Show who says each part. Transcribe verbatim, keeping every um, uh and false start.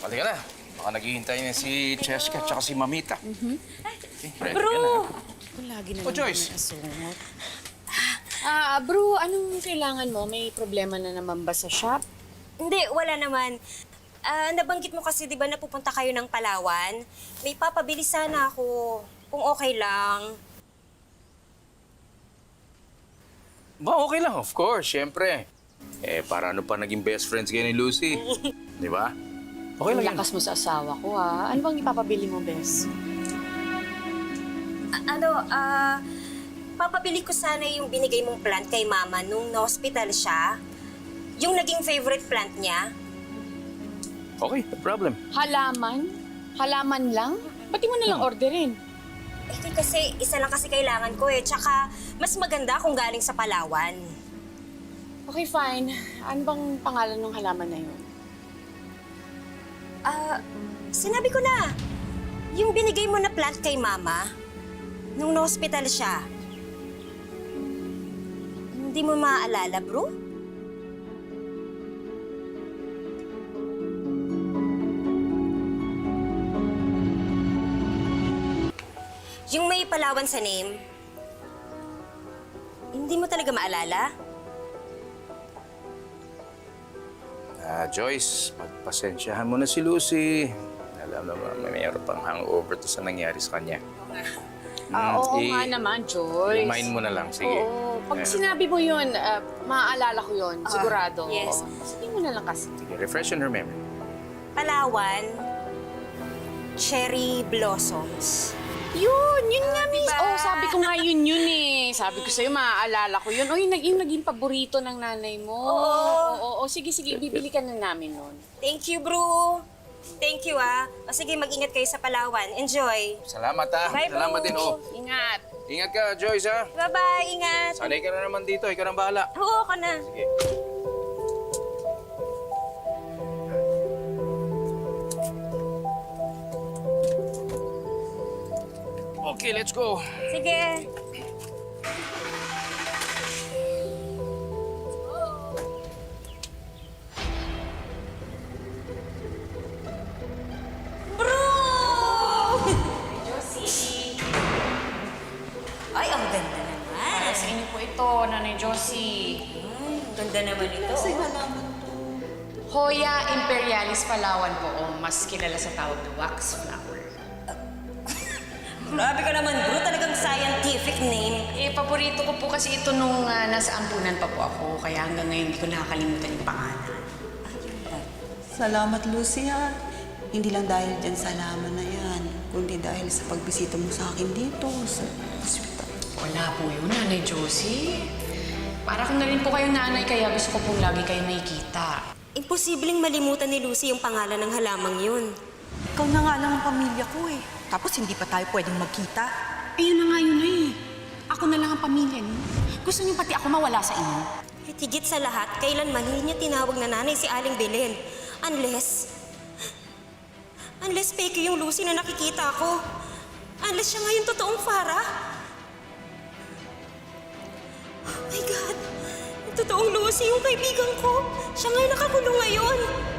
Speaker 1: Halika na. Baka naghihintay na si Cheska at si Mamita.
Speaker 2: Mm-hmm.
Speaker 1: Okay, ready
Speaker 2: Bro!
Speaker 1: ka na.
Speaker 2: Ito lagi na
Speaker 1: Oh,
Speaker 2: lang
Speaker 1: Joyce.
Speaker 2: may asungot. Ah, bro, anong kailangan mo? May problema na naman ba sa shop?
Speaker 3: Hindi, wala naman. Ah, nabanggit mo kasi, di ba, na pupunta kayo ng Palawan? May papabili sana ako, kung okay lang.
Speaker 1: Ba, okay lang, of course, syempre. Eh, para ano pa naging best friends kayo ni Lucy? Di ba? Okay lang
Speaker 2: Ang
Speaker 1: yan.
Speaker 2: lakas mo sa asawa ko, ha? Ano bang ipapabili mo, Bes?
Speaker 3: A- ano, ah, papabili ko sana yung binigay mong plant kay Mama nung na-hospital siya. Yung naging favorite plant niya.
Speaker 1: Okay, no problem.
Speaker 2: Halaman? Halaman lang? Ba't di mo nalang orderin?
Speaker 3: Eh, di kasi isa lang kasi kailangan ko eh. Tsaka, mas maganda kung galing sa Palawan.
Speaker 2: Okay, fine. Ano bang pangalan ng halaman na yun?
Speaker 3: Ah, sinabi ko na. Yung binigay mo na plant kay Mama, nung na-hospital siya. Hindi mo maaalala, bro? Yung may Palawan sa name, hindi mo talaga maalala?
Speaker 1: Ah, Joyce, pagpasensyahan mo na si Lucy. Alam naman, may mayroon pang hangover to sa nangyari sa kanya.
Speaker 2: Ah,
Speaker 1: Mm,
Speaker 2: oo
Speaker 1: i-
Speaker 2: nga naman, Joyce.
Speaker 1: Remind mo na lang, sige.
Speaker 2: Oo. Pag
Speaker 1: Eh,
Speaker 2: sinabi mo yun, ah, maaalala ko yun, sigurado.
Speaker 3: yes.
Speaker 2: Sige mo na lang kasi.
Speaker 1: Sige, refresh on her memory.
Speaker 3: Palawan, cherry blossoms.
Speaker 2: Yun, yun nga, miss.
Speaker 3: diba?
Speaker 2: Oh, sabi ko nga yun yun eh. Sabi ko sa'yo, maaalala ko yun. O, yung, nag- yung naging paborito ng nanay mo.
Speaker 3: Oo.
Speaker 2: Oo, oo, oo. Sige, sige, bibili ka na namin nun.
Speaker 3: Thank you, bro. Thank you, ah. O sige, mag-ingat kayo sa Palawan. Enjoy.
Speaker 1: Salamat, ha.
Speaker 3: Bye, bro.
Speaker 1: Salamat din, oh.
Speaker 2: Ingat.
Speaker 1: Ingat ka, Joyce, ha.
Speaker 3: Bye-bye. Ingat.
Speaker 1: Sanay ka na naman dito. Ikaw nang bahala.
Speaker 3: Oo, ako na.
Speaker 1: Sige. Okay, let's go.
Speaker 3: Sige. Bro!
Speaker 2: Josie.
Speaker 3: Ay, ang ganda naman.
Speaker 2: Para sa inyo po ito, Nanay Josie.
Speaker 3: Ay, ang ganda naman ito.
Speaker 2: Hoya Imperialis Palawan po, o mas kilala sa tawag na wax flower.
Speaker 3: Grabe ka naman, bro. Talagang scientific name.
Speaker 2: Eh, paborito ko po kasi ito nung ah, nasa ampunan pa po ako. Kaya hanggang ngayon hindi ko nakakalimutan yung pangalan.
Speaker 4: Salamat, Lucy, ha. Hindi lang dahil dyan sa halaman na yan, kundi dahil sa pagbisita mo sa akin dito, sa hospital.
Speaker 2: Wala po yun, Nanay Josie. Para kung na rin po kayong nanay, kaya gusto ko pong lagi kayo nakikita.
Speaker 3: Imposibleng malimutan ni Lucy yung pangalan ng halamang yun.
Speaker 4: Ikaw na nga lang ang pamilya ko, eh. Tapos hindi pa tayo pwedeng magkita.
Speaker 5: Ayun na nga yun na eh. Ako na lang ang pamilya niyo. Gusto niyo pati ako mawala sa inyo?
Speaker 3: At higit sa lahat, kailanman hindi niya tinawag na nanay si Aling Belen. Unless... Unless fake yung Lucy na nakikita ko. Unless siya nga yung totoong Farah. Oh my God! Yung totoong Lucy, yung kaibigan ko. Siya nga yung nakakulong ngayon.